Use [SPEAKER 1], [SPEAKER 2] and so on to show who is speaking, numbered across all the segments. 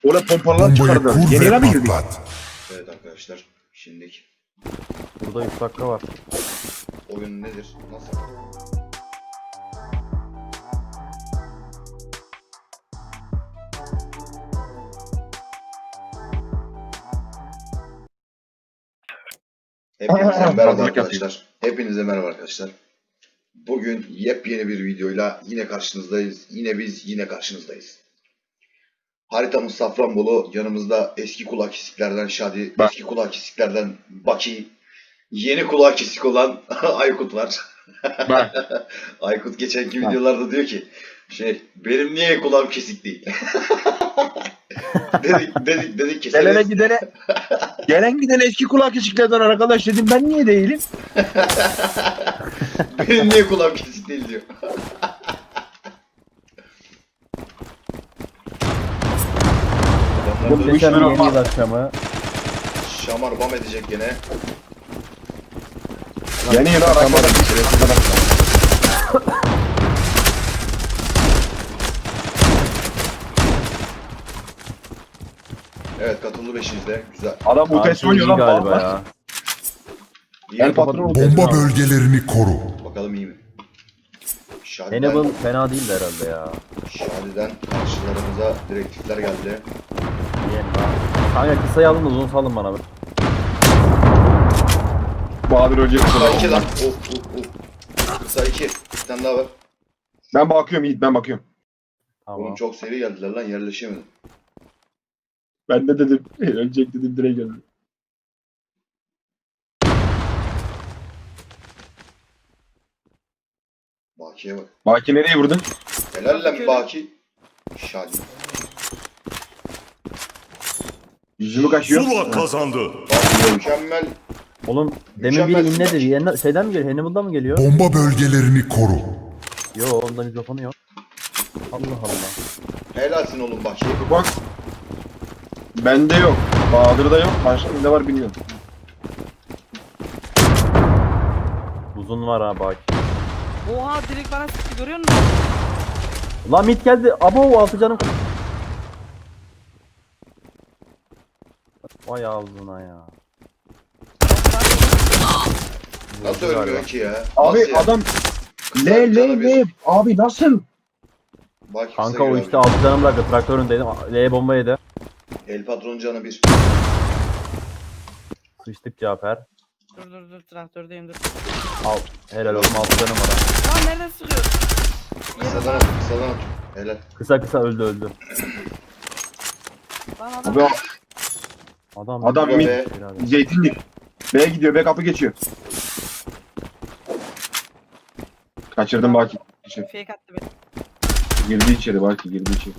[SPEAKER 1] Orada pompalar
[SPEAKER 2] Bombayı
[SPEAKER 1] çıkardı.
[SPEAKER 2] kur
[SPEAKER 1] Yeni yere mi
[SPEAKER 2] ve
[SPEAKER 1] girdik?
[SPEAKER 2] patlat.
[SPEAKER 3] Evet arkadaşlar. Şimdilik
[SPEAKER 4] Burada 3 dakika var.
[SPEAKER 3] oyun nedir? Nasıl? Hepinize merhaba arkadaşlar. Hepinize merhaba arkadaşlar. Bugün yepyeni bir videoyla yine karşınızdayız. Yine biz, yine karşınızdayız. Haritamız Safranbolu. Yanımızda eski kulak kesiklerden Şadi,
[SPEAKER 1] Bak.
[SPEAKER 3] eski kulak kesiklerden Baki, yeni kulak kesik olan Aykut var.
[SPEAKER 1] Bak.
[SPEAKER 3] Aykut geçenki
[SPEAKER 1] Bak.
[SPEAKER 3] videolarda diyor ki benim niye kulağım kesik değil? dedik keseriz.
[SPEAKER 1] Gelen gidene eski kulak kesiklerden arkadaş dedim, ben niye değilim?
[SPEAKER 3] Benim niye kulağım kesik değil diyor. Adamlar da
[SPEAKER 4] Muhteşem
[SPEAKER 1] Şamar
[SPEAKER 4] yeni yıl akşamı.
[SPEAKER 3] şamar bam edecek gene.
[SPEAKER 1] Yeni yıla aramadan
[SPEAKER 3] Evet, katıldı 5'inizde. Güzel.
[SPEAKER 1] Adam bu test
[SPEAKER 4] Karşı
[SPEAKER 1] oynuyor
[SPEAKER 4] iyi
[SPEAKER 1] lan.
[SPEAKER 4] galiba
[SPEAKER 1] Bak.
[SPEAKER 4] ya.
[SPEAKER 3] İyi
[SPEAKER 1] El
[SPEAKER 3] mi?
[SPEAKER 1] patron oldu.
[SPEAKER 2] Bomba bölgelerini koru.
[SPEAKER 3] Bakalım iyi mi?
[SPEAKER 4] Hannibal fena değildi herhalde ya.
[SPEAKER 3] Şadi'den karşılarımıza direktifler geldi.
[SPEAKER 4] Diyelim ha. Kanka kısayı alın da uzun salın bana.
[SPEAKER 1] Bahadır önce
[SPEAKER 3] Kısa 2
[SPEAKER 1] kısa.
[SPEAKER 3] lan. Kısa 2. Bir tane daha var.
[SPEAKER 1] Ben bakıyorum Yiğit, ben bakıyorum.
[SPEAKER 4] Tamam.
[SPEAKER 3] Oğlum çok seri geldiler lan, yerleşemedim.
[SPEAKER 1] Ben de dedim. Ölecek dedim, direkt geldi.
[SPEAKER 3] Baki'ye bak.
[SPEAKER 1] Baki nereye vurdun?
[SPEAKER 3] Helal lan Baki. Şadi.
[SPEAKER 1] Yüzümü kaşıyor.
[SPEAKER 5] Zula kazandı.
[SPEAKER 3] Baki mükemmel.
[SPEAKER 4] Oğlum demin
[SPEAKER 3] Mükemmel
[SPEAKER 4] biri inledi.
[SPEAKER 3] maç.
[SPEAKER 4] Şeyden mi geliyor? Hannibal'dan mı geliyor?
[SPEAKER 2] Bomba bölgelerini koru.
[SPEAKER 4] Yo onda mikrofonu yok. Allah Allah.
[SPEAKER 3] Helalsin oğlum Baki.
[SPEAKER 1] Bak. Bende yok. Bahadır'da yok. Başka ne var bilmiyorum.
[SPEAKER 4] Uzun var ha bak.
[SPEAKER 6] Oha direkt bana sıktı, görüyor musun?
[SPEAKER 4] Lan mid geldi. Abo 6 canım. Vay ağzına ya.
[SPEAKER 3] Nasıl
[SPEAKER 4] Vurdu
[SPEAKER 3] ölmüyor
[SPEAKER 4] galiba.
[SPEAKER 3] ki ya?
[SPEAKER 1] Abi
[SPEAKER 3] Nasıl ya?
[SPEAKER 1] adam
[SPEAKER 3] Kısa
[SPEAKER 1] le
[SPEAKER 3] canı bir.
[SPEAKER 1] abi nasıl?
[SPEAKER 3] Baki kısa
[SPEAKER 4] Kanka o
[SPEAKER 3] giriyor
[SPEAKER 4] işte
[SPEAKER 3] abi.
[SPEAKER 4] 6 canım bıraktı. Traktöründeydim. L bomba yedi.
[SPEAKER 3] El patron canı 1.
[SPEAKER 4] Sıçtık Cafer.
[SPEAKER 6] Dur traktördeyim dur.
[SPEAKER 4] Al. Helal olsun 6 canım var. ha.
[SPEAKER 6] Lan nereden sıkıyor?
[SPEAKER 3] Kısadan at, kısadan at. Helal.
[SPEAKER 4] Kısa öldü.
[SPEAKER 6] Lan adam.
[SPEAKER 1] Abi
[SPEAKER 4] Adam
[SPEAKER 1] mid.
[SPEAKER 3] Be.
[SPEAKER 1] Zeytinlik. B'ye gidiyor. B kapı geçiyor. Kaçırdım Baki.
[SPEAKER 6] Fake attı beni.
[SPEAKER 1] Girdi içeri Baki, girdi içeri.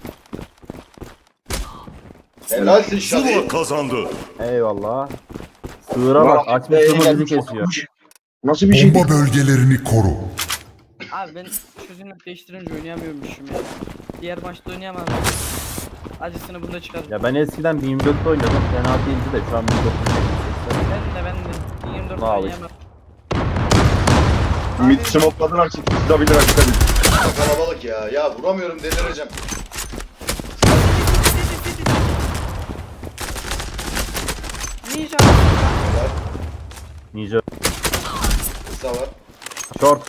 [SPEAKER 3] Helalsin
[SPEAKER 5] Zula
[SPEAKER 3] Şadi.
[SPEAKER 5] kazandı.
[SPEAKER 4] Eyvallah. Sığıra bak. Açmış sığır bizi kesiyor.
[SPEAKER 1] Nasıl bir şey?
[SPEAKER 2] Bomba bölgelerini koru.
[SPEAKER 6] Abi ben çözünürlük değiştirince oynayamıyormuşum ya. Diğer maçta oynayamam. Acısını bunda çıkardım.
[SPEAKER 4] Ya ben eskiden 1024'te oynuyordum. Fena değildi de şu an 1024'te.
[SPEAKER 6] Ben de 24
[SPEAKER 4] Ne alış?
[SPEAKER 6] oynayamam.
[SPEAKER 1] Mid smokladılar, çıkabilir hakikaten.
[SPEAKER 3] Kalabalık ya. Ya vuramıyorum, delireceğim.
[SPEAKER 6] Ninja.
[SPEAKER 3] Helal.
[SPEAKER 4] Ninja.
[SPEAKER 3] Kısa var.
[SPEAKER 4] Short.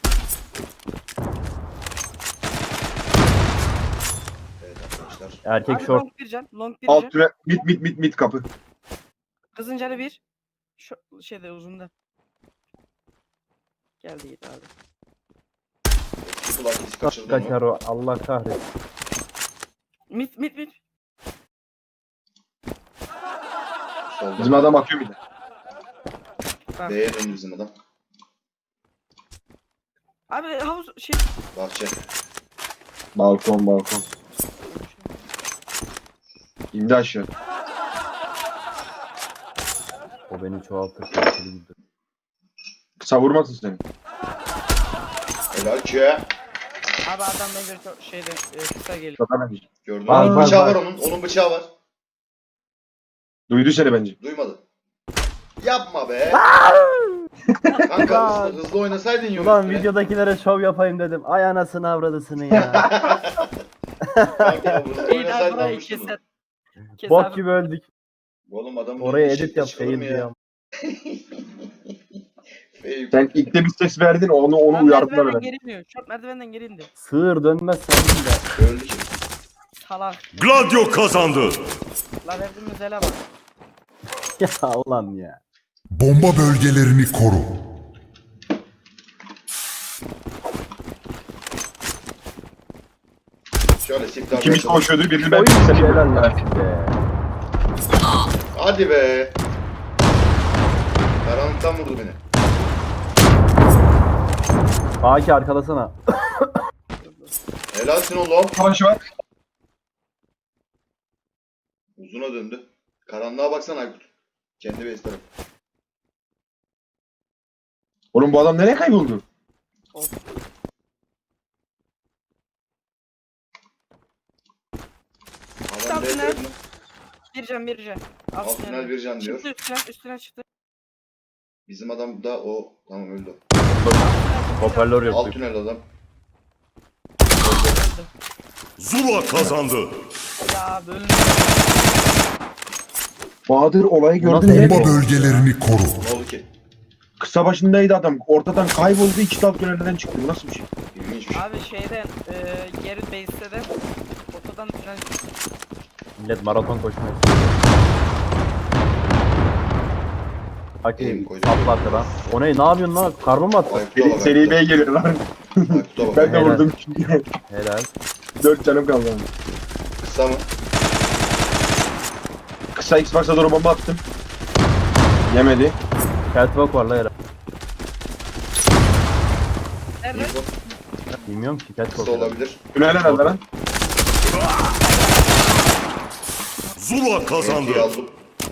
[SPEAKER 3] Evet arkadaşlar.
[SPEAKER 4] Erkek
[SPEAKER 6] Abi
[SPEAKER 4] short.
[SPEAKER 6] long bir can. Long bir
[SPEAKER 1] Alt
[SPEAKER 6] can.
[SPEAKER 1] türe mid kapı.
[SPEAKER 6] Kızın canı bir. Şu şeyde uzunda. Geldi git abi.
[SPEAKER 3] Eski kulak kesi
[SPEAKER 4] Kaç
[SPEAKER 3] kaçırdı onu.
[SPEAKER 4] kaçar o. Allah kahretsin.
[SPEAKER 6] Mid.
[SPEAKER 3] Solda.
[SPEAKER 1] Bizim adam atıyor bir de.
[SPEAKER 6] Bak.
[SPEAKER 3] D'ye döndü bizim adam.
[SPEAKER 6] Abi havuz şey.
[SPEAKER 3] Bahçe.
[SPEAKER 1] Balkon. İndi aşağı.
[SPEAKER 4] O beni çoğaltır. Tehlikeli gidiyor.
[SPEAKER 1] Kısa vurmasın seni.
[SPEAKER 3] Helal ki.
[SPEAKER 6] Abi adam bence şeyde kısa geliyor.
[SPEAKER 1] Zaten
[SPEAKER 3] Gördün
[SPEAKER 4] Var,
[SPEAKER 3] mü?
[SPEAKER 4] var,
[SPEAKER 3] Bıçağı
[SPEAKER 4] var.
[SPEAKER 3] var onun. Onun bıçağı var.
[SPEAKER 1] duydu seni bence.
[SPEAKER 3] Duymadı. Yapma be. Kanka hızlı oynasaydın Yunus.
[SPEAKER 4] Ulan videodakilere şov yapayım dedim. Ay anasını avradısını ya.
[SPEAKER 3] Kanka hızlı
[SPEAKER 6] İyi
[SPEAKER 3] oynasaydın
[SPEAKER 6] burayı
[SPEAKER 3] almıştın bunu.
[SPEAKER 6] keser.
[SPEAKER 4] Bok gibi öldük.
[SPEAKER 3] Oğlum adamın
[SPEAKER 4] Oraya
[SPEAKER 3] önüne
[SPEAKER 4] edit
[SPEAKER 3] şekli
[SPEAKER 4] yap.
[SPEAKER 3] çıkılır mı
[SPEAKER 4] Fail diye.
[SPEAKER 3] Fail.
[SPEAKER 1] Sen ilk de bir ses verdin onu
[SPEAKER 6] Lan
[SPEAKER 1] uyardılar
[SPEAKER 6] merdivenden
[SPEAKER 1] ben.
[SPEAKER 6] geri iniyor. Çok merdivenden geri indi.
[SPEAKER 4] Sığır dönmez senin de.
[SPEAKER 3] Öldü ki.
[SPEAKER 6] Salak.
[SPEAKER 5] Gladio kazandı.
[SPEAKER 6] La verdiğimiz ele bak.
[SPEAKER 4] Ya ulan ya.
[SPEAKER 2] Bomba bölgelerini koru.
[SPEAKER 3] Şöyle siftah
[SPEAKER 1] İkimiz
[SPEAKER 3] bırakalım.
[SPEAKER 1] koşuyordu birini ben
[SPEAKER 4] Oy
[SPEAKER 1] seni
[SPEAKER 4] helal lan size.
[SPEAKER 3] Hadi be. Karanlıktan vurdu beni.
[SPEAKER 4] Baki arkalasana.
[SPEAKER 3] Helalsin oğlum.
[SPEAKER 1] savaşı var.
[SPEAKER 3] Uzuna döndü. Karanlığa baksana Aykut. Kendi base tarafı.
[SPEAKER 1] Oğlum bu adam nereye kayboldu?
[SPEAKER 3] Adam
[SPEAKER 6] Altı
[SPEAKER 3] base
[SPEAKER 6] ne?
[SPEAKER 3] tarafına.
[SPEAKER 6] Bir can.
[SPEAKER 3] Alt tünel bir can diyor.
[SPEAKER 6] Çıktı üstüne çıktı.
[SPEAKER 3] Bizim adam da o. Tamam öldü.
[SPEAKER 4] Hoparlör
[SPEAKER 3] Alt
[SPEAKER 4] yok.
[SPEAKER 3] tünel adam.
[SPEAKER 6] Öldü.
[SPEAKER 5] Zula kazandı.
[SPEAKER 6] Ya böyle.
[SPEAKER 1] Bahadır olayı gördün
[SPEAKER 4] Nasıl
[SPEAKER 1] mü?
[SPEAKER 2] Bomba bölgelerini koru.
[SPEAKER 3] Ne oldu ki?
[SPEAKER 1] Kısa başındaydı adam. Ortadan kayboldu. İki alt tünelden çıktı. Bu nasıl bir şey?
[SPEAKER 3] İlginç bir şey.
[SPEAKER 6] Abi şeyden geri base'de de ortadan tünel
[SPEAKER 4] Millet maraton koşmuyor. Haki
[SPEAKER 3] Benim koydum.
[SPEAKER 4] atlattı lan. O ne yapıyorsun lan? Karbon mu attı?
[SPEAKER 3] Aykut'a bak.
[SPEAKER 1] Seri B'ye geliyor lan.
[SPEAKER 3] Aykut'a bak.
[SPEAKER 1] Ben de
[SPEAKER 4] Helal.
[SPEAKER 1] vurdum çünkü.
[SPEAKER 4] Helal.
[SPEAKER 1] 4 canım kaldı.
[SPEAKER 3] Kısa mı?
[SPEAKER 1] Kısa Xbox'a doğru bomba attım. Yemedi.
[SPEAKER 4] Catwalk var la herhalde.
[SPEAKER 6] nerede?
[SPEAKER 3] İyi bu.
[SPEAKER 4] Bilmiyorum ki
[SPEAKER 3] Kısa
[SPEAKER 4] Catwalk.
[SPEAKER 3] olabilir.
[SPEAKER 1] Tünel herhalde lan.
[SPEAKER 5] Zula kazandı.
[SPEAKER 3] İyi aldım.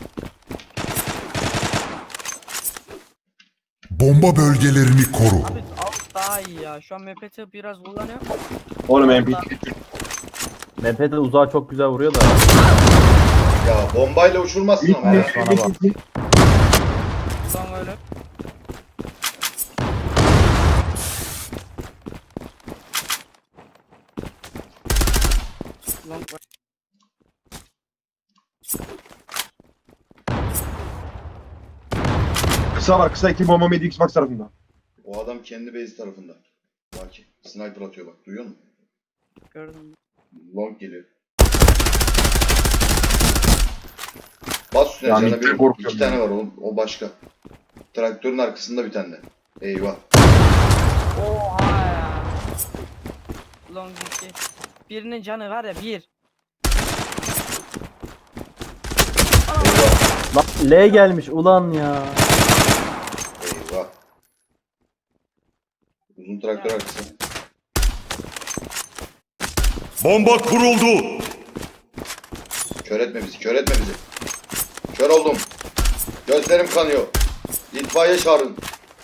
[SPEAKER 2] Bomba bölgelerini koru.
[SPEAKER 6] Abi alt daha iyi ya. Şu an MPT biraz kullanıyor.
[SPEAKER 1] Oğlum MP.
[SPEAKER 4] MP'de uzağa çok güzel vuruyor da.
[SPEAKER 3] Ya bombayla uçurmazsın ama ya.
[SPEAKER 4] Bana bak.
[SPEAKER 6] Son öyle. Long var.
[SPEAKER 1] Kısa var. Kısa 2 bomba mıydı Xbox tarafında.
[SPEAKER 3] O adam kendi base tarafında. Bak ki. Sniper atıyor bak. Duyuyor musun?
[SPEAKER 6] Gördüm.
[SPEAKER 3] Long geliyor. Bas üstüne
[SPEAKER 1] Yani
[SPEAKER 3] canına bir.
[SPEAKER 1] korkuyorum
[SPEAKER 3] 2 tane var o başka. Traktörün arkasında bir tane. Eyvah.
[SPEAKER 6] Oha ya. Long gitti. Birinin canı var ya bir.
[SPEAKER 3] Eyvah.
[SPEAKER 4] Lan L gelmiş ulan ya.
[SPEAKER 3] Eyvah. Uzun traktör arkası.
[SPEAKER 5] Bomba kuruldu.
[SPEAKER 3] Kör etme bizi. Kör etme bizi. Kör oldum. Gözlerim kanıyor. İtfaiye çağırın.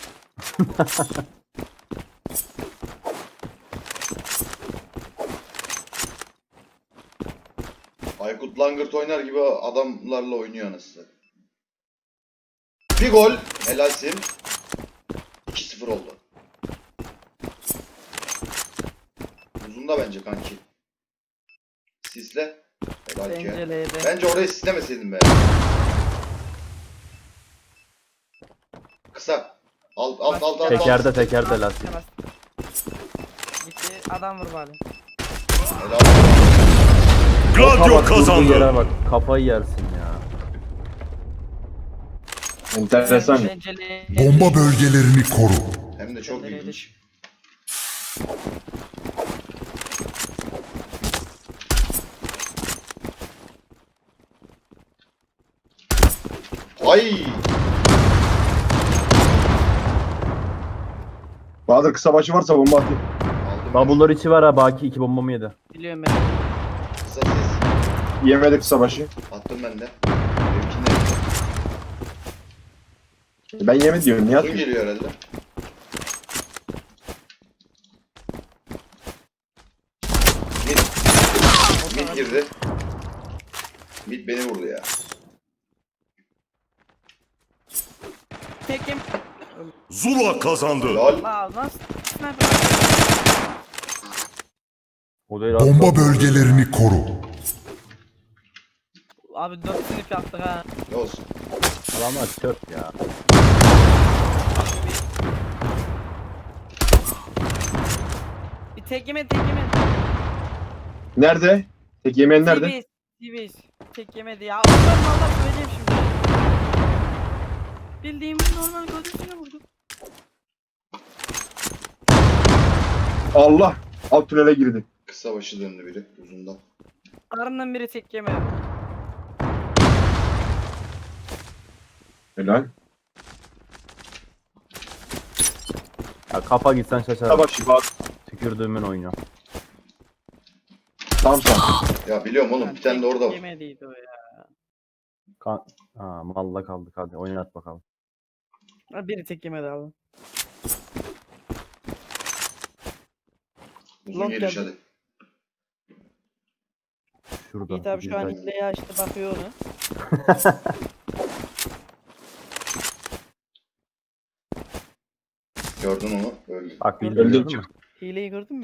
[SPEAKER 3] Aykut Langırt oynar gibi adamlarla oynuyor anasını. Bir gol. Helalsin. 2-0 oldu. Uzunda bence kanki. Sisle. Helal ki.
[SPEAKER 6] Bence L'de.
[SPEAKER 3] Bence orayı sislemeseydin be. Kısa. Alt.
[SPEAKER 4] Tekerde lastik.
[SPEAKER 6] Gitti adam vur bari.
[SPEAKER 3] Helal.
[SPEAKER 5] Gladio
[SPEAKER 4] Durduğu
[SPEAKER 5] kazandı.
[SPEAKER 4] yere bak kafayı yersin ya.
[SPEAKER 1] Enteresan.
[SPEAKER 6] Bence L'de.
[SPEAKER 2] Bomba bölgelerini koru.
[SPEAKER 3] Hem de çok
[SPEAKER 6] Nereye
[SPEAKER 3] ilginç. Ay!
[SPEAKER 1] Bahadır kısa başı varsa bomba atayım.
[SPEAKER 3] Aldım.
[SPEAKER 4] Bubble'lar içi var ha Baki 2 bombamı yedi.
[SPEAKER 6] Biliyorum ben.
[SPEAKER 3] Kısa ses.
[SPEAKER 1] Yemedi kısa başı.
[SPEAKER 3] Attım ben de. Benimkinde yaptım.
[SPEAKER 1] Ben yemedi diyorum. Niye
[SPEAKER 3] Uzun
[SPEAKER 1] atıyorsun?
[SPEAKER 3] geliyor herhalde. Mid girdi. Mid beni vurdu ya.
[SPEAKER 6] Tekim.
[SPEAKER 5] Zula kazandı.
[SPEAKER 3] Lol.
[SPEAKER 6] La nasıl? Sniper.
[SPEAKER 4] O değil
[SPEAKER 2] Bomba bölgelerini koru.
[SPEAKER 6] Abi 4 sınıf yaptık ha.
[SPEAKER 3] Ne olsun?
[SPEAKER 4] Adamlar çöp ya.
[SPEAKER 6] Bir tek yeme tek yeme.
[SPEAKER 1] Nerede? Tek yemeğin nerede?
[SPEAKER 6] TVS. Tek yemedi ya. Ondan valla söyleyeyim şimdi. Bildiğim normal gözüne vurdu.
[SPEAKER 1] Allah. Alt tünele girdi.
[SPEAKER 3] Kısa başı döndü biri uzundan.
[SPEAKER 6] Karından biri tek yemedi.
[SPEAKER 1] Helal.
[SPEAKER 4] Ya kafa gitsen şaşarım.
[SPEAKER 1] Sabah şifa.
[SPEAKER 4] Tükürdüğümün oyunu.
[SPEAKER 1] Tam sağ.
[SPEAKER 3] Ya biliyorum oğlum bir tane de orada var.
[SPEAKER 6] Yemediydi o ya.
[SPEAKER 4] Ha malla kaldık hadi oynat bakalım.
[SPEAKER 6] Ha, biri tek yemedi abi.
[SPEAKER 3] Uzun
[SPEAKER 6] Long
[SPEAKER 3] geliş
[SPEAKER 6] geldi.
[SPEAKER 3] hadi.
[SPEAKER 4] Şurada.
[SPEAKER 6] Yiğit abi şu an
[SPEAKER 4] güzel.
[SPEAKER 6] hileyi açtı bakıyor onu.
[SPEAKER 3] Gördün onu öldü.
[SPEAKER 4] Bak
[SPEAKER 6] Öldü.
[SPEAKER 4] bildiğin gördün mü?
[SPEAKER 6] Hileyi gördün mü?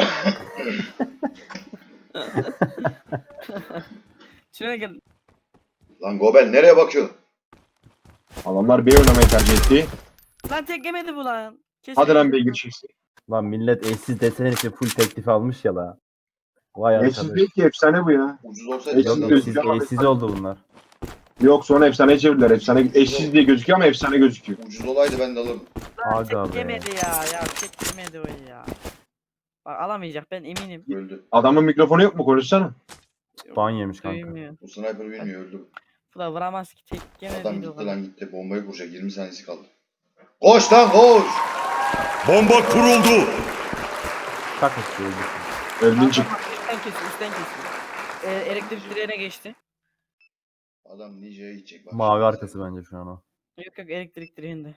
[SPEAKER 6] Şuraya gel.
[SPEAKER 3] Lan Gobel nereye bakıyorsun?
[SPEAKER 1] Adamlar B oynamayı tercih etti.
[SPEAKER 6] Lan tek yemedi bu lan. Kesin
[SPEAKER 1] Hadi lan
[SPEAKER 6] yemedi.
[SPEAKER 1] beygir çeksin.
[SPEAKER 4] Lan millet eşsiz desen için full teklif almış ya la. Vay
[SPEAKER 1] Eşsiz
[SPEAKER 4] arkadaş.
[SPEAKER 1] değil ki efsane bu ya.
[SPEAKER 3] Ucuz olsaydı
[SPEAKER 1] Eşsiz
[SPEAKER 3] senden
[SPEAKER 1] değil.
[SPEAKER 4] Eşsiz, eşsiz oldu bunlar.
[SPEAKER 1] Yok sonra efsane çevirdiler. Efsane eşsiz diye gözüküyor ama efsane gözüküyor.
[SPEAKER 3] ucuz olaydı ben de alırdım.
[SPEAKER 6] Lan
[SPEAKER 4] Aga
[SPEAKER 6] tek
[SPEAKER 4] be.
[SPEAKER 6] yemedi ya. Ya tek yemedi o ya. Bak alamayacak ben eminim.
[SPEAKER 3] Öldü.
[SPEAKER 1] Adamın mikrofonu yok mu? Konuşsana.
[SPEAKER 4] Ban yemiş kanka.
[SPEAKER 6] Duymuyor.
[SPEAKER 3] Bu sniper bilmiyor öldü.
[SPEAKER 6] Bu da vuramaz ki tek
[SPEAKER 3] Adam
[SPEAKER 6] yemediydi o
[SPEAKER 3] gitti
[SPEAKER 6] kadar.
[SPEAKER 3] lan gitti. Bombayı kuracak 20 saniyesi kaldı. Koş lan koş.
[SPEAKER 5] Bomba kuruldu.
[SPEAKER 4] Çak işte öldü.
[SPEAKER 1] Öldün çık.
[SPEAKER 6] Üstten kesiyor üstten kesiyor. Elektrik direğine geçti.
[SPEAKER 3] Adam Ninja'ya gidecek bak.
[SPEAKER 4] Mavi arkası bence şu an o.
[SPEAKER 6] Yok yok elektrik direğinde.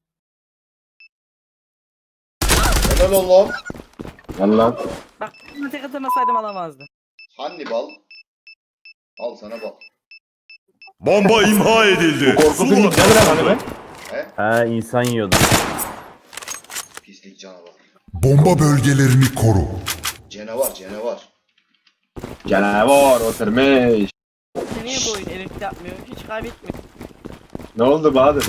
[SPEAKER 3] Helal oğlum.
[SPEAKER 1] Valla.
[SPEAKER 6] Bak bunu tek atamasaydım alamazdı.
[SPEAKER 3] Hannibal. Al sana bal.
[SPEAKER 5] Bomba imha edildi.
[SPEAKER 1] Bu korku filmi
[SPEAKER 5] Zula
[SPEAKER 1] güzel lan hani be.
[SPEAKER 3] He?
[SPEAKER 4] He insan yiyordu.
[SPEAKER 3] Pislik canavar.
[SPEAKER 2] Bomba bölgelerini koru.
[SPEAKER 3] Canavar canavar.
[SPEAKER 1] Canavar oturmuş.
[SPEAKER 6] Niye bu oyun elektrik yapmıyor? Hiç kaybetmiyor.
[SPEAKER 1] Ne oldu Bahadır?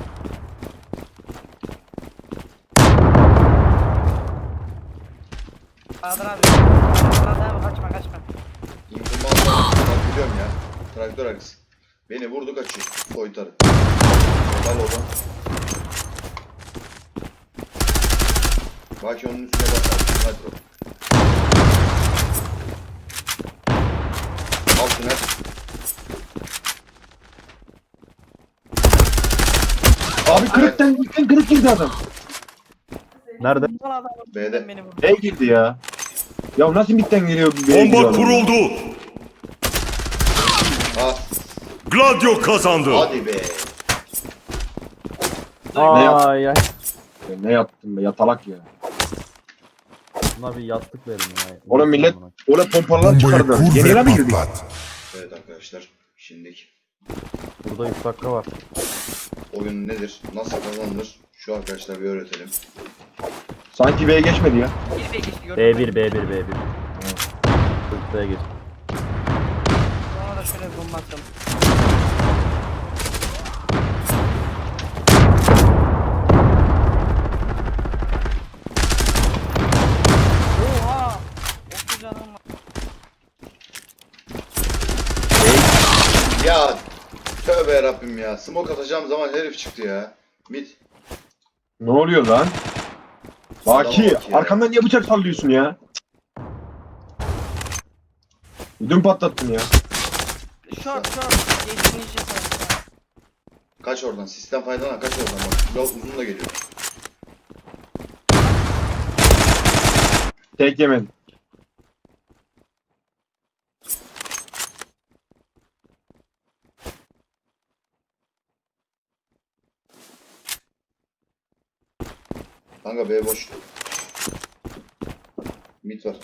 [SPEAKER 6] Bahadır abi. Bahadır abi kaçma kaçma.
[SPEAKER 3] İndirmaz bak biliyorum ya. Traktör arkası. Beni vurdu kaçıyor. Soytarı. Helal oğlum. Bak onun üstüne bak. Hadi bro. Al tünel.
[SPEAKER 1] Abi kırık girdi adam.
[SPEAKER 4] Nerede?
[SPEAKER 6] Bu adam
[SPEAKER 3] B'de.
[SPEAKER 6] beni vurdu.
[SPEAKER 1] Ne girdi ya? Ya nasıl bitten geliyor bir B'ye giriyor
[SPEAKER 5] Bomba
[SPEAKER 1] adam?
[SPEAKER 5] kuruldu.
[SPEAKER 3] Ha.
[SPEAKER 5] Gladio kazandı.
[SPEAKER 3] Hadi be.
[SPEAKER 4] Ay ay.
[SPEAKER 1] Ne yaptın be yatalak ya.
[SPEAKER 4] Buna bir yastık verin ya.
[SPEAKER 1] Oğlum millet orada pompalar
[SPEAKER 2] Bombayı
[SPEAKER 1] çıkardı.
[SPEAKER 2] kur
[SPEAKER 1] Yeni
[SPEAKER 2] ve
[SPEAKER 1] mi girdik?
[SPEAKER 2] patlat.
[SPEAKER 3] Evet arkadaşlar. Şimdiki
[SPEAKER 4] Burada 3 dakika var.
[SPEAKER 3] oyun nedir? Nasıl kazanılır? Şu arkadaşlar bir öğretelim.
[SPEAKER 1] Sanki B'ye geçmedi ya.
[SPEAKER 6] Bir geçti gördün mü?
[SPEAKER 4] B1. Hızlıya geç.
[SPEAKER 6] Ona da şöyle bir bomba atalım. Oha! 30 canım var.
[SPEAKER 3] Ya tövbe yarabbim ya. Smoke atacağım zaman herif çıktı ya. Mid.
[SPEAKER 1] Ne oluyor lan? Baki
[SPEAKER 3] Adama bak ya.
[SPEAKER 1] arkamdan niye bıçak sallıyorsun ya? Dün patlattın ya.
[SPEAKER 6] Short. Geçtiğini iş yaparım.
[SPEAKER 3] Kaç oradan. Sistem faydalan kaç oradan bak. Biraz uzun da geliyor.
[SPEAKER 1] Tek yemedin.
[SPEAKER 3] Kanka B boş. Mid var.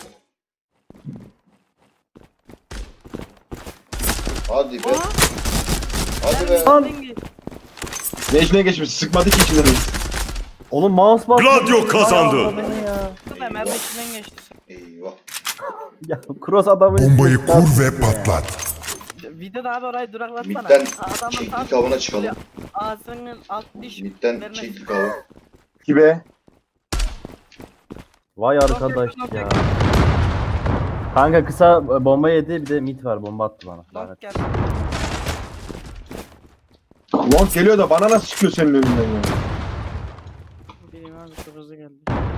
[SPEAKER 3] Hadi be.
[SPEAKER 6] Aa!
[SPEAKER 3] Hadi be.
[SPEAKER 1] Ne içine geçmiş? Sıkmadı ki içinden.
[SPEAKER 4] Oğlum mouse bastı.
[SPEAKER 5] Gladio kazandı.
[SPEAKER 4] Ay, adamı ya.
[SPEAKER 6] Hemen içinden geçti.
[SPEAKER 3] Eyvah.
[SPEAKER 4] Ya cross adamı.
[SPEAKER 2] Bombayı kur ve patlat.
[SPEAKER 6] Videoda abi orayı duraklatsana.
[SPEAKER 3] Midden
[SPEAKER 6] Adamın
[SPEAKER 3] çektik
[SPEAKER 6] tam
[SPEAKER 3] avına çıkalım.
[SPEAKER 6] ağzının alt diş
[SPEAKER 3] Midden
[SPEAKER 6] vermez.
[SPEAKER 3] çektik avı.
[SPEAKER 1] Kibe.
[SPEAKER 4] Vay arkadaş ya. Kanka kısa bomba yedi, bir de mid var, bomba attı bana.
[SPEAKER 6] Bak
[SPEAKER 4] Lanet.
[SPEAKER 6] gel.
[SPEAKER 1] Long geliyor da bana nasıl çıkıyor senin önünden ya?
[SPEAKER 6] Bileyim abi çok hızlı geldi.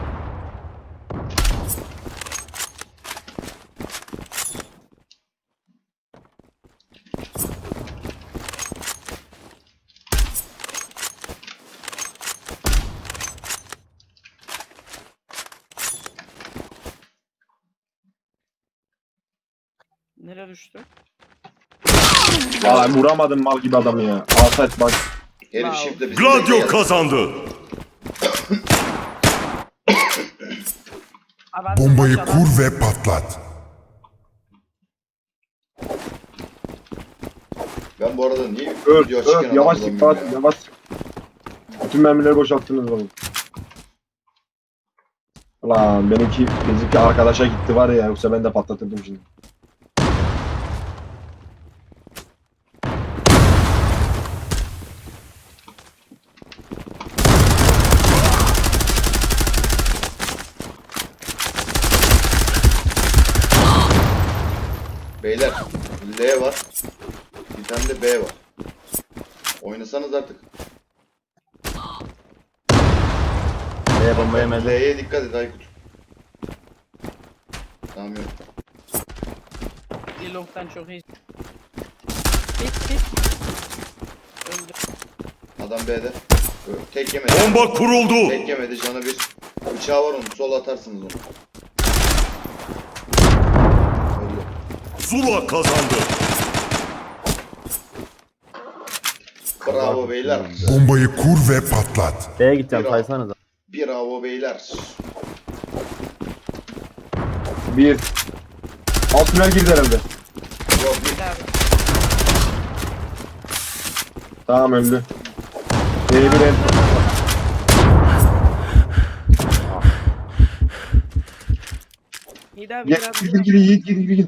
[SPEAKER 6] Nereye düştü?
[SPEAKER 1] Ya vuramadım mal gibi adamı ya. Asayt bak.
[SPEAKER 3] Herif
[SPEAKER 6] Wow.
[SPEAKER 3] şifle bizi
[SPEAKER 5] Gladio
[SPEAKER 3] bekleyen.
[SPEAKER 5] kazandı.
[SPEAKER 6] Abi ben
[SPEAKER 2] Bombayı
[SPEAKER 6] maç adam-
[SPEAKER 2] kur ve patlat.
[SPEAKER 3] Ben bu arada niye
[SPEAKER 1] Öl,
[SPEAKER 3] video açıkken
[SPEAKER 1] öl. Yavaş
[SPEAKER 3] adam
[SPEAKER 1] sık,
[SPEAKER 3] bulamıyorum ya?
[SPEAKER 1] yavaş sık. Bütün mermileri boşalttınız oğlum. Ulan bizimki arkadaşa gitti var ya, yoksa ben de patlatırdım şimdi.
[SPEAKER 3] Beyler L var. Bir tane de B var. Oynasanız artık.
[SPEAKER 4] Bomba yemedi.
[SPEAKER 3] L'ye dikkat et Aykut. Tamam yok.
[SPEAKER 6] Long'dan çok iyi. Hit. Öldü.
[SPEAKER 3] Adam B'de. Tek yemedi.
[SPEAKER 5] Bomba kuruldu.
[SPEAKER 3] Tek yemedi canı bir. Bıçağı var onun. Sol atarsınız onu. Öldü.
[SPEAKER 5] Zula kazandı.
[SPEAKER 3] Bravo beyler.
[SPEAKER 2] Bombayı kur ve patlat.
[SPEAKER 4] B'ye gideceğim,
[SPEAKER 3] Bir
[SPEAKER 4] saysanıza.
[SPEAKER 3] Bravo beyler.
[SPEAKER 1] Bir. Alt tünel girdi herhalde.
[SPEAKER 3] Yok bir.
[SPEAKER 6] Bir abi.
[SPEAKER 1] Tamam öldü. B1 el.
[SPEAKER 6] Hit abi
[SPEAKER 1] Gel,
[SPEAKER 6] biraz.
[SPEAKER 1] gir.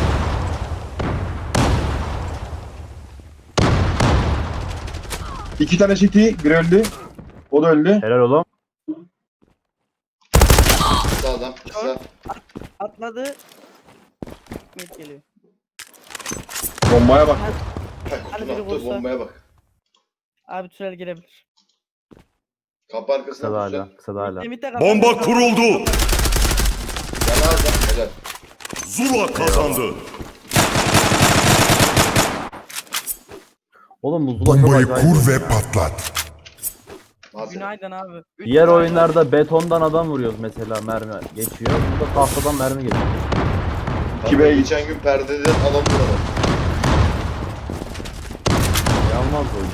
[SPEAKER 1] İki tane CT, bir öldü. O da öldü.
[SPEAKER 4] Helal oğlum.
[SPEAKER 3] Kısa adam. Kısa.
[SPEAKER 6] Atladı. Mid geliyor.
[SPEAKER 1] Bombaya bak.
[SPEAKER 6] Hadi
[SPEAKER 3] Kutun
[SPEAKER 6] biri
[SPEAKER 3] attığı
[SPEAKER 6] vursa.
[SPEAKER 3] bombaya bak.
[SPEAKER 6] Abi tünel girebilir.
[SPEAKER 3] Kapı arkasına
[SPEAKER 4] Kısa da hala,
[SPEAKER 3] duracak.
[SPEAKER 4] kısa da hala.
[SPEAKER 6] Mid'de kapat.
[SPEAKER 5] Bomba kuruldu.
[SPEAKER 3] Yana alacağım. Helal.
[SPEAKER 5] Zula kazandı.
[SPEAKER 4] Oğlum bu Zula çok
[SPEAKER 2] Bombayı
[SPEAKER 4] acayip.
[SPEAKER 2] kur ve patlat.
[SPEAKER 3] Malzeme.
[SPEAKER 6] Günaydın abi.
[SPEAKER 4] Diğer oyunlarda betondan adam vuruyoruz mesela, mermi geçiyor. Burada tahtadan mermi geçiyor.
[SPEAKER 1] İki
[SPEAKER 3] Bak,
[SPEAKER 1] B'ye
[SPEAKER 3] geçen gün perdeden adam vuralım.
[SPEAKER 4] Yanmaz oyun.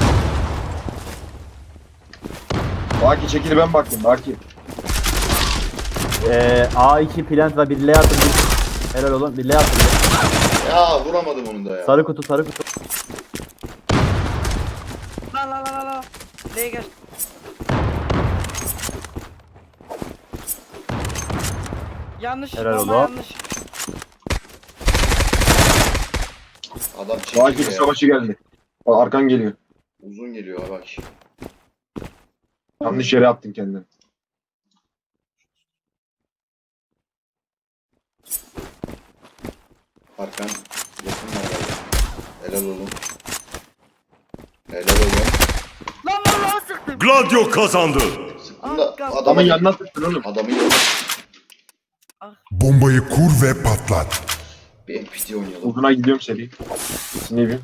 [SPEAKER 1] Baki çekil, ben baktım. Baki.
[SPEAKER 4] A2 plant ve bir L atın. Helal oğlum, bir L atın.
[SPEAKER 3] Ya vuramadım onu da ya.
[SPEAKER 4] Sarı kutu, sarı kutu.
[SPEAKER 6] La. L'ye geç. Yanlış.
[SPEAKER 4] Helal
[SPEAKER 6] bomba
[SPEAKER 4] oğlum.
[SPEAKER 6] yanlış.
[SPEAKER 3] Adam
[SPEAKER 1] Baki
[SPEAKER 3] çekiyor ya.
[SPEAKER 1] savaşı geldi. Bak, arkan geliyor.
[SPEAKER 3] Uzun geliyor ha bak.
[SPEAKER 1] Yanlış yere attın kendini.
[SPEAKER 3] Arkan yakın var galiba. Helal oğlum. Helal oğlum.
[SPEAKER 6] Lan sıktım.
[SPEAKER 5] Gladio kazandı.
[SPEAKER 3] Sıktın da
[SPEAKER 6] Arkan.
[SPEAKER 1] Adamın
[SPEAKER 3] adamın
[SPEAKER 1] yanına tıktın oğlum.
[SPEAKER 3] Adamın yanına.
[SPEAKER 2] Bombayı kur ve patlat.
[SPEAKER 3] Bir NPT oynayalım.
[SPEAKER 1] Uzuna gidiyorum seri. Ne bileyim.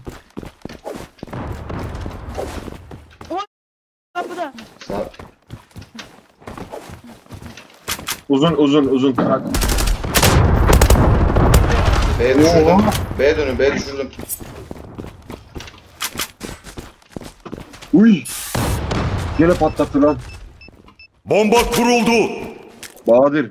[SPEAKER 6] Kapıda.
[SPEAKER 3] Sağ.
[SPEAKER 1] Uzun. Bak.
[SPEAKER 3] B düşürdüm.
[SPEAKER 1] Oo.
[SPEAKER 3] B dönün B düşürdüm.
[SPEAKER 1] Uy. Gene patlattı lan.
[SPEAKER 5] Bomba kuruldu.
[SPEAKER 1] Bahadır.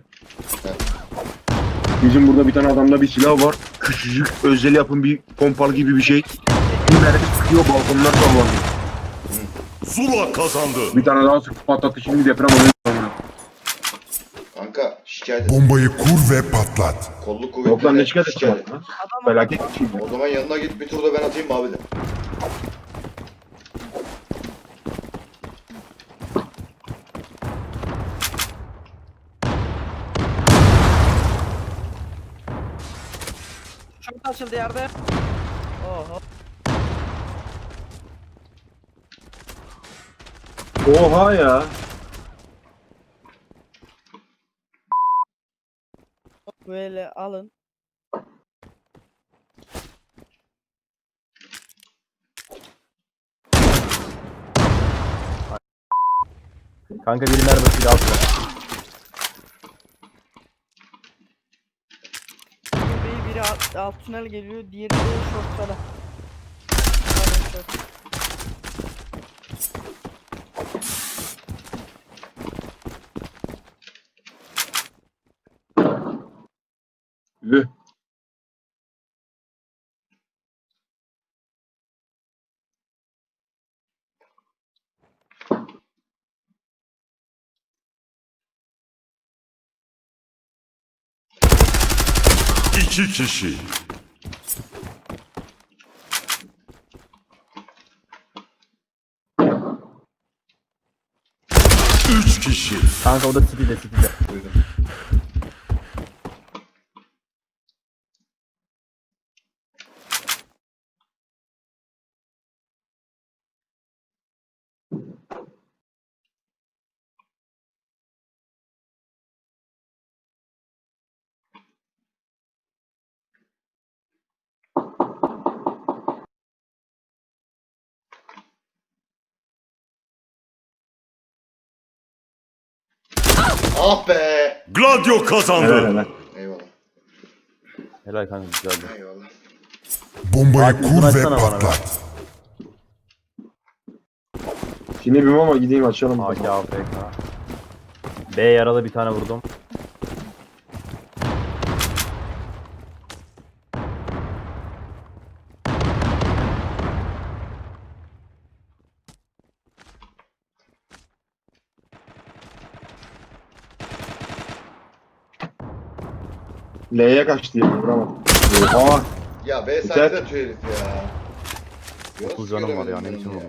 [SPEAKER 1] Bizim burada bir tane adamda bir silah var. Küçücük özel yapım bir pompalı gibi bir şey. Bir mermi sıkıyor, balkonlar sallanıyor.
[SPEAKER 5] Zula kazandı.
[SPEAKER 1] Bir tane daha sıkıp patlattı, şimdi deprem oluyor.
[SPEAKER 3] Kanka Kanka şikayet et.
[SPEAKER 2] Bombayı kur ve patlat.
[SPEAKER 3] Kolluk
[SPEAKER 1] Yok lan ne
[SPEAKER 3] kuvvetlerine
[SPEAKER 1] şikayet
[SPEAKER 3] şikayet
[SPEAKER 1] edeceğim
[SPEAKER 3] et.
[SPEAKER 1] lan?
[SPEAKER 6] Adam
[SPEAKER 1] Felaket bir şey.
[SPEAKER 3] O zaman yanına git bir tur da ben atayım mı abi de.
[SPEAKER 6] çok açıldı yerde. Oho.
[SPEAKER 1] Oha ya.
[SPEAKER 6] Böyle alın.
[SPEAKER 4] Kanka biri mermisiyle altına.
[SPEAKER 6] Biri alt tünel geliyor, diğeri de shortlara. Aynen short.
[SPEAKER 1] Üh.
[SPEAKER 5] İki kişi. Üç kişi.
[SPEAKER 4] Kanka o da City'de.
[SPEAKER 3] Duydum. Ah be.
[SPEAKER 5] Gladio
[SPEAKER 1] Helal
[SPEAKER 5] kazandı.
[SPEAKER 1] helal.
[SPEAKER 3] Eyvallah.
[SPEAKER 4] Helal kanka güzeldi.
[SPEAKER 3] Eyvallah.
[SPEAKER 2] Bombayı
[SPEAKER 4] Abi,
[SPEAKER 2] kur ve
[SPEAKER 4] açsana bana
[SPEAKER 2] patlat.
[SPEAKER 1] Şimdi bilmem ama gideyim açalım.
[SPEAKER 4] AK AFK. B yaralı bir tane vurdum.
[SPEAKER 1] L'ye kaçtı ya. Vuramadım. Oha.
[SPEAKER 3] Ya B
[SPEAKER 1] Güzel.
[SPEAKER 3] site'de atıyor herif ya. Biraz
[SPEAKER 4] 9 canım var ya,
[SPEAKER 3] göremedim
[SPEAKER 4] ne
[SPEAKER 3] ben
[SPEAKER 4] biçim
[SPEAKER 3] onu
[SPEAKER 4] oldu?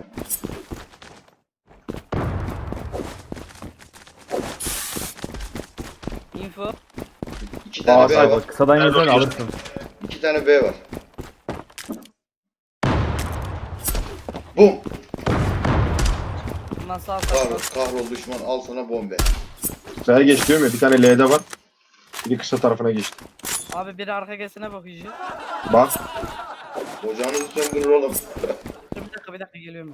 [SPEAKER 6] Info.
[SPEAKER 3] İki tane
[SPEAKER 1] Aa,
[SPEAKER 3] B
[SPEAKER 1] say
[SPEAKER 3] var.
[SPEAKER 4] Bak kısadan
[SPEAKER 1] Nerede
[SPEAKER 4] yazan
[SPEAKER 1] oynuyorsun?
[SPEAKER 4] alırsın.
[SPEAKER 3] İki tane B var. Bum.
[SPEAKER 6] Nasıl alsak?
[SPEAKER 3] Kahrol düşman al sana bombe.
[SPEAKER 1] S'ye geç diyorum ya. Bir tane L'de var. Biri kısa tarafına geçti.
[SPEAKER 6] Abi biri arka gesine bakıyor.
[SPEAKER 1] Bak.
[SPEAKER 3] Ocağınızı söndürür oğlum.
[SPEAKER 6] Dur bir dakika geliyorum.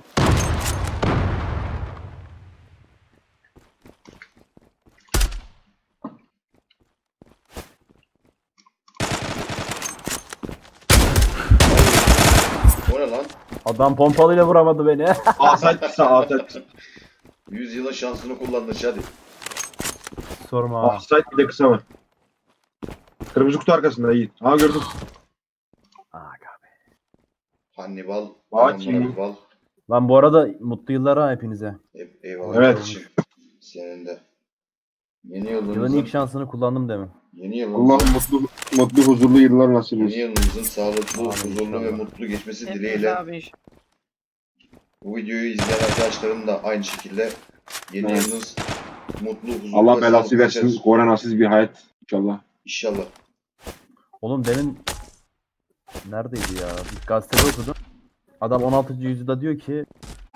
[SPEAKER 3] O ne lan?
[SPEAKER 4] Adam pompalıyla vuramadı beni.
[SPEAKER 1] Asayt kısa asayt.
[SPEAKER 3] 100 yılın şansını kullandın hadi.
[SPEAKER 4] Sorma.
[SPEAKER 1] Asayt bir de kısa var. Kırmızı kutu arkasında iyi. Ha gördüm.
[SPEAKER 4] Aga be.
[SPEAKER 3] Hannibal.
[SPEAKER 1] Baki.
[SPEAKER 3] Hannibal.
[SPEAKER 4] Lan bu arada mutlu yıllar ha hepinize.
[SPEAKER 3] Eyvallah.
[SPEAKER 1] Evet.
[SPEAKER 3] kardeşim. Senin de. Yeni
[SPEAKER 4] Yılın
[SPEAKER 3] yılınızın,
[SPEAKER 4] ilk şansını kullandım demin.
[SPEAKER 3] yeni yılınızın,
[SPEAKER 1] Allah'ım mutlu huzurlu yıllar nasip
[SPEAKER 3] yeni
[SPEAKER 1] etsin.
[SPEAKER 3] yılınızın sağlıklı,
[SPEAKER 4] Amin
[SPEAKER 3] huzurlu ve
[SPEAKER 4] inşallah.
[SPEAKER 3] mutlu geçmesi
[SPEAKER 6] Hepiniz
[SPEAKER 3] dileğiyle
[SPEAKER 6] abi.
[SPEAKER 3] bu videoyu izleyen arkadaşlarım da aynı şekilde yeni
[SPEAKER 1] Evet.
[SPEAKER 3] yılınız mutlu, huzurlu
[SPEAKER 1] Allah
[SPEAKER 3] ve
[SPEAKER 1] belası
[SPEAKER 3] sağlıklı
[SPEAKER 1] versin.
[SPEAKER 3] geçer.
[SPEAKER 1] Koronasız bir hayat inşallah.
[SPEAKER 3] İnşallah.
[SPEAKER 4] Oğlum demin neredeydi ya? Bir gazetede okudum. Adam 16. yüzyılda diyor ki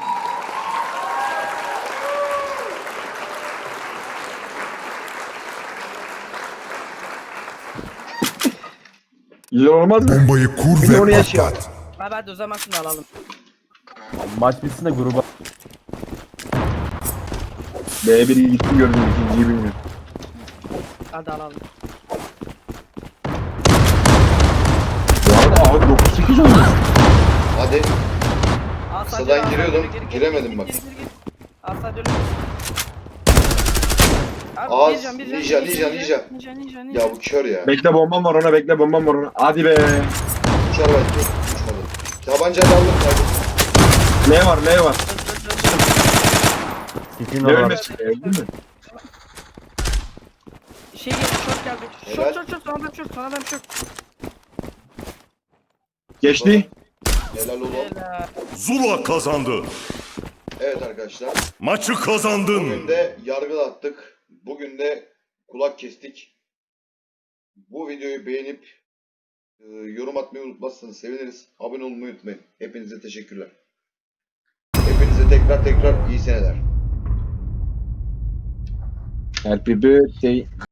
[SPEAKER 1] Güzel olmaz mı?
[SPEAKER 2] Bombayı kur
[SPEAKER 1] Bir de onu
[SPEAKER 2] ve
[SPEAKER 1] yaşayalım.
[SPEAKER 2] patlat.
[SPEAKER 6] Abi hadi o zaman şunu alalım.
[SPEAKER 4] maç bitsin de gruba
[SPEAKER 1] B1'i gitti gördüm. İkinciyi bilmiyorum.
[SPEAKER 6] Hadi alalım.
[SPEAKER 1] Bu arada abi 9-8 olmuş.
[SPEAKER 3] Hadi.
[SPEAKER 6] Asad
[SPEAKER 3] Kısadan
[SPEAKER 6] yürü,
[SPEAKER 3] giriyordum,
[SPEAKER 6] Asad yürü,
[SPEAKER 3] giremedim bak.
[SPEAKER 6] Gir. Asad yürü. Abi
[SPEAKER 3] Az,
[SPEAKER 6] bir can,
[SPEAKER 3] ninja. Ya bu kör ya.
[SPEAKER 1] Bekle bombam var ona, bekle bombam var ona. Hadi be.
[SPEAKER 3] Uçar belki. Uçmadı. Tabancayla aldım kardeşim.
[SPEAKER 1] L var, L var.
[SPEAKER 4] City'nin
[SPEAKER 1] Ne
[SPEAKER 4] olarak
[SPEAKER 1] ölmesi? Öldün mü?
[SPEAKER 6] Şey geldi, short geldi.
[SPEAKER 3] Helal.
[SPEAKER 6] Short, son adam short.
[SPEAKER 1] Geçti.
[SPEAKER 3] Helal oğlum.
[SPEAKER 6] Helal.
[SPEAKER 5] Zula kazandı.
[SPEAKER 3] Evet arkadaşlar.
[SPEAKER 5] Maçı kazandın.
[SPEAKER 3] Bugün de yargılattık. Bugün de kulak kestik. Bu videoyu beğenip yorum atmayı unutmazsanız seviniriz. Abone olmayı unutmayın. Hepinize teşekkürler. Hepinize tekrar iyi seneler.
[SPEAKER 1] Happy birthday.